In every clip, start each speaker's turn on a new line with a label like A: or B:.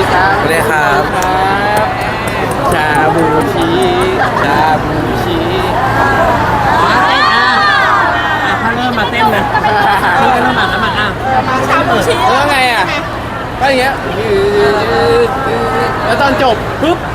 A: ครับสวัสดีครับชาบูชีชาบูชี
B: ถ้าเริ่มมาเต้นนะเริ่มมาแล้วมา
C: ชาบูชิ
A: แล้วไงอ่ะก็อย่างเงี้ยแล้วตอนจบปุ๊บ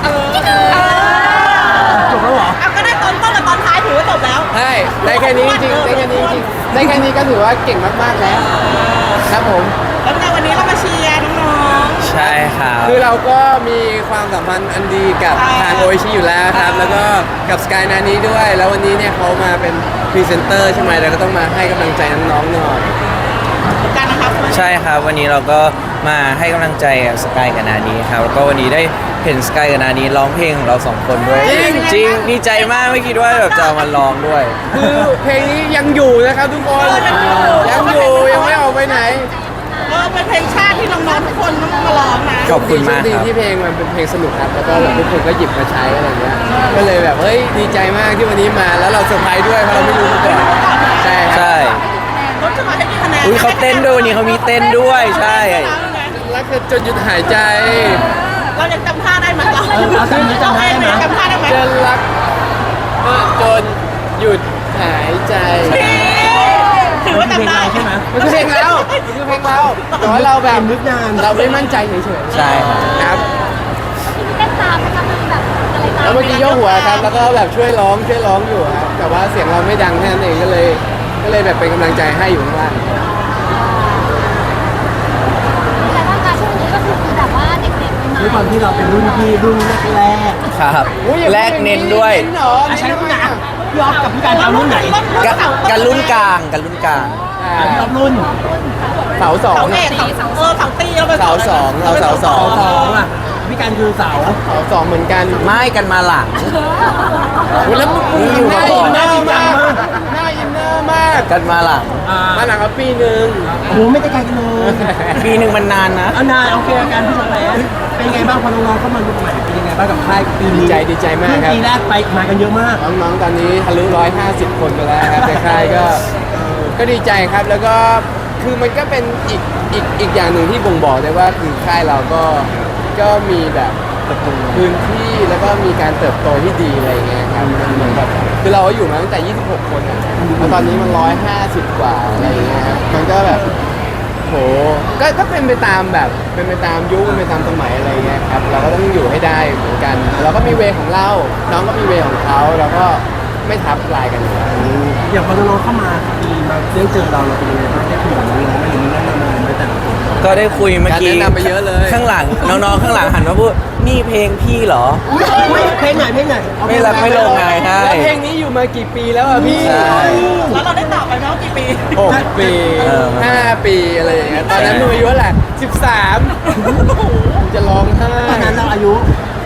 B: จบแล้วเหรอ
C: เอาก็ได้ตอนต้นกับตอนท้ายถือว่าจบแล้ว
A: ใช่ได้แค่นี้จริงได้แค่นี้จริงได้แค่นี้ก็ถือว่าเก่งมากๆแล้วครับผม
C: แล้วในวันนี้เรามาเชียร์น้องๆ
D: ใช่ครับ
A: คือเราก็มีความสัมพันธ์อันดีกับทางโอชิอยู่แล้วครับแล้วก็กับสกายนานี้ด้วย แล้ววันนี้เนี่ยเขามาเป็นพรีเซนเตอร์ใช่ไหมเราก็ต้องมาให้กำลังใจน้องๆหน่อย
C: กันนะครับ
D: ใช่ครับวันนี้เราก็มาให้กำลังใจกับสกายกับนานี้ครับแล้วก็วันนี้ได้เห็นสกายกับนานี้ร้องเพลงของเราสองคนด้วยจริงดีใจมากไม่คิดว่าแบบจะเอามาร้องด้วย
A: คือเพลงนี้ยังอยู่นะครับทุกคนยังไม่ออกไปไหน
C: เป็นเพลงชาติที่น้องๆทุกคนต้องมาร้องนะ
D: ขอบคุณมาก
A: ดี
D: ครับ
A: ที่เพลงมันเป็นเพลงสนุกครับแล้วก็ทุกคนก็หยิบมาใช้อะไรเงี้ยก็เลยแบบเฮ้ยดีใจมากที่วันนี้มาแล้วเราเซอร์ไพรส์ด้วยเพราะเราไม่รู้มาก่อนใช่ครับ
D: ใช่
C: รถจะมาให้กี่คะแนน
D: อุ้ยเขาเต้นด้วยวันนี้เขามีเต้นด้วยใช่
A: รักจนหยุดหายใจ
C: เรายังจำท่าได้ไหมเรา
B: เอาจำได้ไหม
C: จำท่าได้ไหม
A: จะรักจนหยุดหายใจ
C: ถือว่า
B: เพลง
C: จำได้
B: เราใช่ไหม
A: มันคือเพลงเรามันคือเพลงเราแต่ว่าเราแบบ
B: นึกนาน
A: เราไม่มั่นใจเฉยๆ
D: ใช่ครับ
A: ครับ
E: เต้นตามนะคะมันแบบอะไรตาม
A: แล้วเมื่อกี้โยกหัวครับแล้วก็แบบช่วยร้องอยู่ครับแต่ว่าเสียงเราไม่ดังแค่นั้นเองก็เลยแบบเป็นกำลังใจให้อยู่ข้างล่าง
E: แต่ว่าการช่วงนี้ก็คือแบบว่าเด็กๆมา
B: ด้วยความที่เราเป็นรุ่นพี่รุ่นแรก
D: ครับ
A: อุ๊ย
D: แลกเน้นด้วย
A: เน้นเหรอ
B: ๆใช้รุ่นไหนพี่ออฟกับพี่การเอารุ่นไหน
D: กันรุ่นกลางกันรุ่นกลาง
B: พี่ออฟรุ่น
A: เสาสอง
C: เสาเอกเสาตีเราเป็น
A: เสาสองเราเสาสอง
B: สองอ่ะพี่การคือเสา
A: เสาสองเหมือนกัน
D: ไม่กันมาหลัง
A: อุ๊ยแล้วมึง
D: นี่อยู่
A: หน้า
D: ก่
A: อิ
D: อน
A: นเนอร์มากหน้าอินเนอร์มาก
D: กันมาหลัง
A: มาหลังกับปีหนึ่ง
B: โอ้โหไม่ได้ไกลกันเลย
D: ปีหนึ่งมันนานนะ
B: เอานายโอเคอาการพี่สแปนเป็นไงบ้างพอน้องๆเข้ามาดูใหม่เป็นยังไงบ้างกับค่ายปีนี้
A: ดีใจมากครับ
B: ปีแรกไปมากันเยอะมาก
A: น้องๆตอนนี้ทะลุ150 คนไปแล้วครับในค่ายก็ดีใจครับแล้วก็คือมันก็เป็นอีกอย่างหนึ่งที่บ่งบอกได้ว่าคือค่ายเราก็มีแบบพื้นที่แล้วก็มีการเติบโตที่ดีอะไรอย่างเงี้ยครับมันเหมือนแบบคือเราก็อยู่มาตั้งแต่ 26 คนอะแล้วตอนนี้มัน150 กว่าอะไรอย่างเงี้ยครับมันก็แบบโหก็เป็นไปตามแบบเป็นไปตามยุคเป็นไปตามสมัยอะไรอย่างเงี้ยครับเราก็ต้องอยู่ให้ได้เหมือนกันเราก็มีเวของเราน้องก็มีเวของเขาเราก็ไม่ทับลายกันอยู่แล้ว
B: อย่างพอน้องๆเข้ามาปีมาเรื่องเจอเราเป็นยังไงบ้างได้คุยกับน้องๆไหมหรือมีแนะนำอะไรไหมแต่ละคน
D: ก็ได้คุยเมื่อกี้
A: การแนะนำไปเยอะเลย
D: ข้างหลังน้องๆข้างหลังหันมาพูดนี่เพลงพี่เหรอ
B: อุ๊ยเพลงไหนเอา
D: ไม่รับไม่ลงไงใช่
A: แล้วเพลงนี้อยู่มากี่ปีแล้วอ่ะพี่
D: ใช่
C: แล้วเราได้ตอบไปไหมว่ากี่ปี
A: 6 ปี
D: เออ
A: 5 ปีอะไรอย่างเงี้ยตอนนั้นหนูอายุเท่าไหร่13จะร้องไห้
B: ตอนนั้นเราอายุ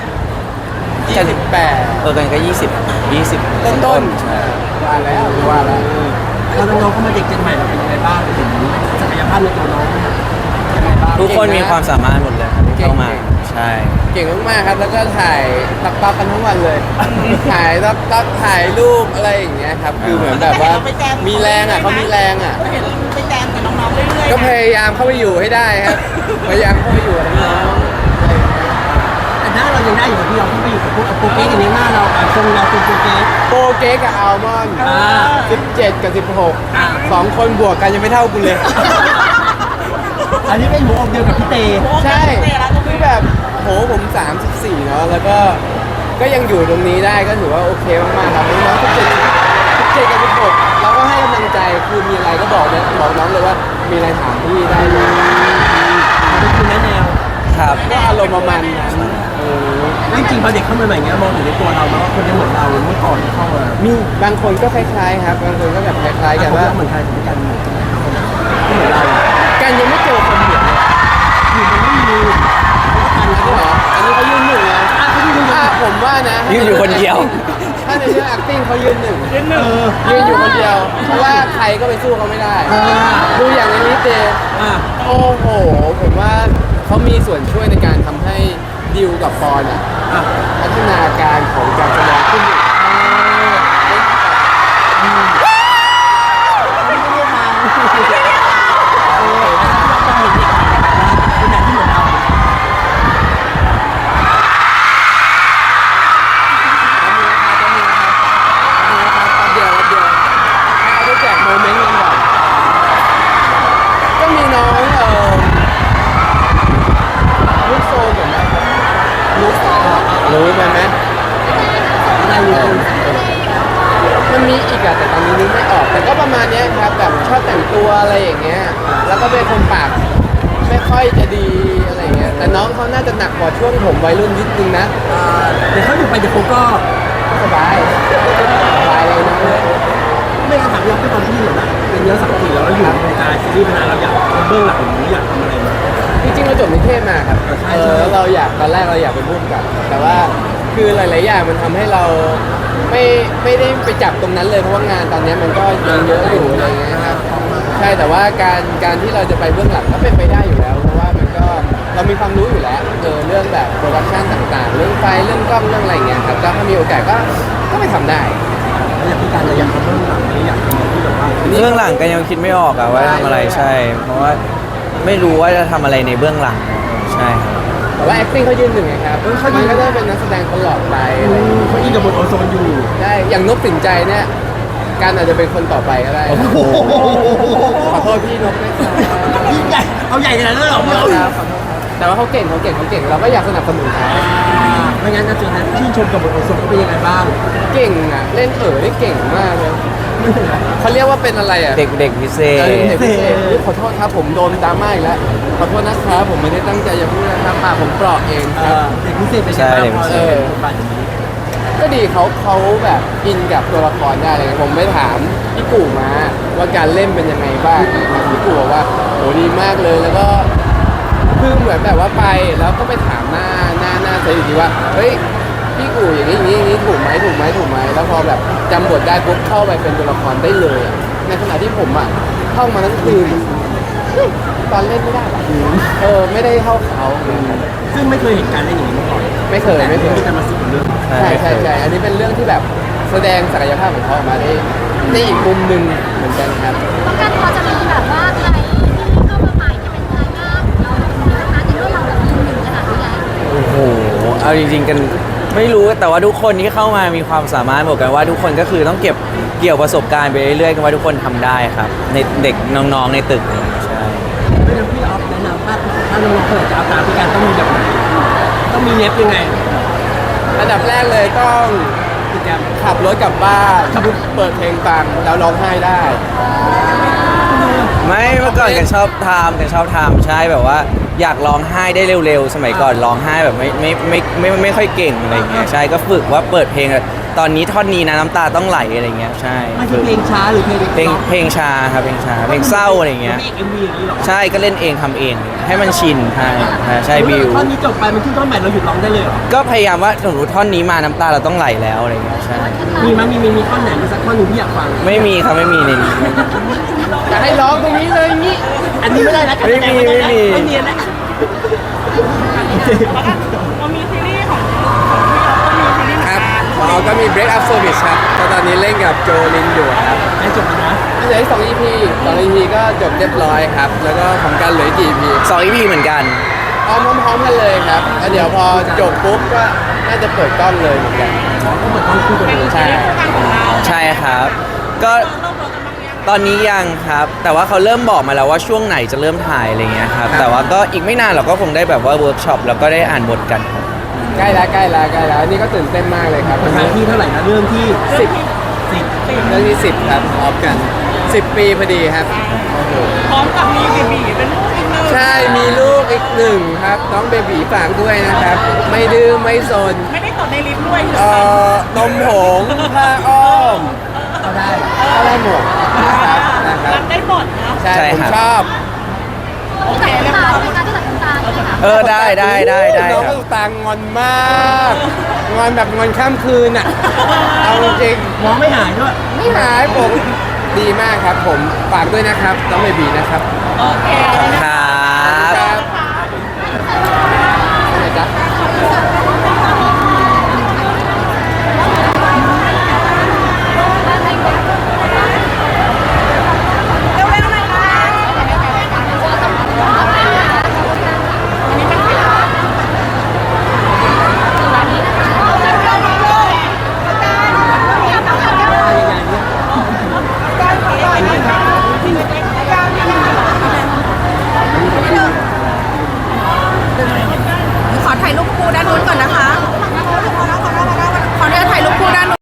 A: 28
D: กันก็20
A: ต้น
D: ใช่
A: ว่าแล้ว
B: พอน้องๆเข้ามาเด็กเจนใหม่เราเป็นยังไงบ้างเห็นศักยภาพในตัวน้องยังไงบ้าง
D: ทุกคนมีความสามารถหมดเลยครับที่เข้ามาใช่
A: เก่งมากๆครับแล้วก็ถ่ายตักกันทั้งวันเลย ถ่ายตักถ่ายรูปอะไรอย่างเงี้ยครับคือเหมือนแบบว่ามีแรงอ่ะเขามีแรงอ่ะ
C: เห็นไปแจมกับน้องๆเรื่อยๆ
A: ก็พยายามเข้าไปอยู่ให้ได้ครับพยายามเข้าไปอยู่กับน้องๆอะไรอย่างเงี้ย
B: แต่หน้าเรายังได้อยู่กับพี่เราที่ไปอยู่กับพวกโปรเกสอย่างนี้หน้าเราทรงเราเป็นโปรเกส
A: โปรเกกกับอัลมอนด์ 17 กับ 16 2 คนบวกกันยังไม่เท่ากูเลย
B: อันนี้เป็นหัวอกเดียวกับพี่เต
A: ใช่คือแบบโหผม 34 เนาะแล้วก็ยังอยู่ตรงนี้ได้ก็ถือว่าโอเคมากๆครับน้องๆ17กับ 16เราก็ให้กำลังใจคือมีอะไรก็บอกน้องเลยว่ามีอะไรถามพี่ได้เลย
B: เป็นคุณแนะแนว
D: ครับ
A: ก็อารมณ์ประมาณนั้น
B: จริงๆพอเด็กเข้ามาใหม่เงี้ยมองถึงในตัวเราแล้วว่าคนนี้เหมือนเราเมื่อก่อนที่เข้ามา
A: มีบางคนก็คล้ายๆครับบางคนก็แบบคล้ายๆกันว่า
B: เหมือนใครเหมือนกันที่เหมือนเรา
A: กันยังไม่เจอคนเหมือนเลย
B: อยู่มันไม่มี
A: อันนี้เหรออันนี้เขายืนหนึ่งนะผมว่านะ
D: ยืนอยู่คนเดียว
A: ถ้าในเรื่อง acting เขายืนหนึ่ง
B: เออ
A: ยืนอยู่คนเดียว เพราะว่าใครก็ไปสู้เขาไม่ได้ ดูอย่างในนี้เจ
B: อ่ะ
A: โอ้โห ผมว่าเขามีส่วนช่วยในการทำให้ดิวกับปอนอ่ะ
B: อ่ะ
A: พัฒนาการของการแสดงขึ้นอีก
B: เป็นแบบที่เหมือนเรา
A: ตัวอะไรอย่างเงี้ยแล้วก็เป็นคนปากไม่ค่อยจะดีอะไรอย่างเงี้ยแต่น้องเขาน่าจะหนักกว่าช่วงผมวัยรุ่นนิดนึงนะ
B: แต่เขาอยู่ไปเดี๋ยวเขาก็
A: สบายสบายเลยน้องเลย
B: ไม่ถามเราที่ตอนที่เหมือนแบบเป็นเนื้อสังกีแล้วเราอยู่ในวงการซีรีส์มานานเราอยากเบื้องหลังนี้อยากทำอะไรไหม
A: จริงๆเราจบนิเทศมาครับ
B: ใช่ใช่
A: แล้วเราอยากตอนแรกเราอยากเป็นผู้กำกับ แต่ว่าคือหลายๆอย่างมันทำให้เราไม่ได้ไปจับตรงนั้นเลยเพราะว่างานตอนนี้มันก็ยังเยอะอยู่อะไรอย่างเงี้ยครับใช่แต่ว่าการที่เราจะไปเบื้องหลังก็เป็นไปได้อยู่แล้ว เพราะว่ามันก็เรามีความรู้อยู่แล้วเรื่องแบบโปรดักชันต่างๆ เรื่องไฟเรื่องกล้องเรื่องอะไรอย่างเงี้ยครับก็ถ้ามีโอกาสก็ไปทำได้
B: แล้วอย่างพี่การเราอยากทำเบื้องหลังนี้อยากทำอะไรที่แบบว่า
D: เบื้องหลังก็ยังคิดไม่ออกอะว่าทำอะไรใช่ เพราะว่าไม่รู้ว่าจะทำอะไรในเบื้องหลังใช่ครับ
A: แต่ว่า acting เขายืนหนึ่งไงครับมันก็ได้เป็นนักแสดงตลอดไปอะไรอย่างเงี้ย
B: เขาอินกับบทโอโซนอยู่
A: ได้อย่างนกสินใจเนี่ยการอาจจะเป็นคนต่อไปก็ได้ขอโทษพี่นกด้วยครับ
B: ยิ่งใหญ่เอาใหญ่ขนาดนั้นเลยเหรอพี่
A: ขอ
B: เอา
A: โทษครับแต่ว่าเขาเก่งเราก็อยากสนับสนุนเขา
B: ไม่งั้นนะจุดนั้นชื่นชมกับบทโอโซนเขาเป็นยังไงบ้าง
A: เก่งอ่ะเล่นได้เก่งมากเลยเขาเรียกว่าเป็นอะไรอ่ะ
D: เด็กพิเศ
A: เออ
D: ษ
A: เด็กพิเศษขอโทษครับผมโดนดราม่าอีกแล้วขอโทษนะครับผมไม่ได้ตั้งใจจะพูดนะครับปากผมเปราะเองครับ
B: เด็กพิเศษเป็นยังไงบ้างพอเออบทบาทอย่างนี้
A: ก็ดีเขาแบบอินกับตัวละครได้เลยผมไปถามพี่กู่มาว่าการเล่นเป็นยังไงบ้างพี่กู่บอกว่าโหดีมากเลยแล้วก็คือเหมือนแบบว่าไปแล้วก็ไปถามหน้าเซตอีกทีว่าเฮ้ยพี่กู่อย่างนี้ถูกไหมแล้วพอแบบจำบทได้ปุ๊บเข้าไปเป็นตัวละครได้เลยอะในขณะที่ผมอ่ะท่องมาทั้งคืนตอนเล่นไม่ได้หรอกไม่ได้เข้าเขา
B: ซึ่งไม่เคยเห็นการเล่นอย่างนี้มาก่อน
A: ไม่เคย
B: มีแต่มาสื่อเรื่อง
A: ใช่อันนี้เป็นเรื่องที่แบบแสดงศักยภาพของเขาออกมาได้ในอีกมุมหนึ่งเหมือนกันครับ
E: ต้องการพอจะมีแบบว่าใครที่เข้ามาใหม่ที่เป็นรายหน้าของเรานะคะในเมื่อเราแบบยืนหนึ่งขนาดนี้แล้ว
D: โอ้โห เอาจริงๆกันไม่รู้แต่ว่าทุกคนที่เข้ามามีความสามารถบอกกันว่าทุกคนก็คือต้องเก็บเกี่ยวประสบการณ์ไปเรื่อยๆกันว่าทุกคนทำได้ครับในเด็กน้องๆในตึกอะไรอย่างเงี้ยใช่
B: ไม่งั้นพี่ออฟแนะนำถ้าน้องๆเปิดจะเอาตามพี่การต้องมีแบบไหนต้องมีเน็บยังไง
A: อันดับแรกเลยต้อง
B: พี่แกม
A: ขับรถกลับบ้านเปิดเพลงฟังแล้วร้องไห้ได้
D: ไม่เมื่อก่อนกันชอบทำใช่แบบว่าอยากร้องไห้ได้เร็วๆ สมัยก่อนร้องไห้แบบไม่ค่อยเก่งอะไรเงี้ยใช่ก็ฝึกว่าเปิดเพลงตอนนี้ท่อนนี้นะน้ำตาต้องไหลอะไรเงี้ยใช่
B: ไม่ใช่เพลงช้าหรือเพลง
D: เพลงช้าครับเพลงช้าเพลงเศร้าอะไรเงี้ย
B: เอ็มวีอย่างนี้หรอ
D: ใช่ก็เล่นเองทำเองให้มันชินใช่บิว
B: ท่อนนี้จบไปมันขึ้นท่อนใหม่เราหยุดร้องได้เลยเหรอ
D: ก็พยายามว่าสมมติท่อนนี้มาน้ำตาเราต้องไหลแล้วอะไรเงี้ยใช่
B: มีท่อนไหนมีสักท่อนหนึ่งที่อยากฟัง
D: ไม่มีครับไม่มีในนี้
A: อยากให้ร้องตรงนี้เลยนี่
B: อันนี้ไม่ได้นะ
D: ไม่มี
B: ไม่เนียนนะ
C: เรามีซีรีส์ของพี่เราก็มีซีรีส์เหมือน
A: ครับ
C: กัน
A: เราก็มี Break Up Service ครับก็ตอนนี้เล่นกับโจลินอยู่ครับ
B: ได้จบแล้วนะ
A: เหลืออีก2 EP ก็จบเรียบร้อยครับ แล้วก็ของกันเหลืออีกกี่ EP
D: 2 EP เหมือนกัน
A: พร้อมกันเลยครับแล้วเดี๋ยวพอจบปุ๊บก็น่าจะเปิดกล้องเลยเหมือนกัน
B: ก็เหมือนต้องคู่กันเลย
A: ใช่
C: คู่กันของเรา
D: ใช่ครับ ก็
C: เริ่มเรากันบ้างยัง
D: ตอนนี้ยังครับ แต่ว่าเขาเริ่มบอกมาแล้วว่าช่วงไหนจะเริ่มถ่ายอะไรเงี้ยครับ แต่ว่าก็อีกไม่นานเราก็คงได้แบบว่าเวิร์กช็อปแล้วก็ได้อ่านบทกันครับ
A: ใกล้แล้วนี่ก็ตื่นเต้นมากเลยครับ
B: ครั้งที่เท่าไหร่นะเรื่องที่
A: เรื่องที่10ครับพร้อมกัน 10 ปีพอดีครับโอ้โห
C: พร้อมกับมีเบบีเป็นลูกอีกหนึ่ง
A: ใช่มีลูกอีกหนึ่งครับน้องเบบีฝากด้วยนะครับ ไม่ดื้อไม่ซน
C: ไม่ได้ตดในลิฟต์ด้วย
A: นมผงผ้าอ้อม
B: เอาได้
A: ก็ได้หมดนะครับ
C: รับได้หมดนะ
A: ใช่
D: ใช่
A: ผม
D: ครับ
A: ชอบ
E: ที่ตัดน้ำตาในการที่ตัดน้ำตาเนี่ยค่ะ
D: ได้
A: น้อง
D: ครั
A: ก็
D: บ
A: ตางอนมากงอนแบบงอนข้ามคืนอ่ะเอาจริง
B: มองไม่หายด้วย
A: ๆไม่หายผมดีมากครับผมฝากด้วยนะครับน้องเบบีนะครับ
C: โอเค
D: ครับ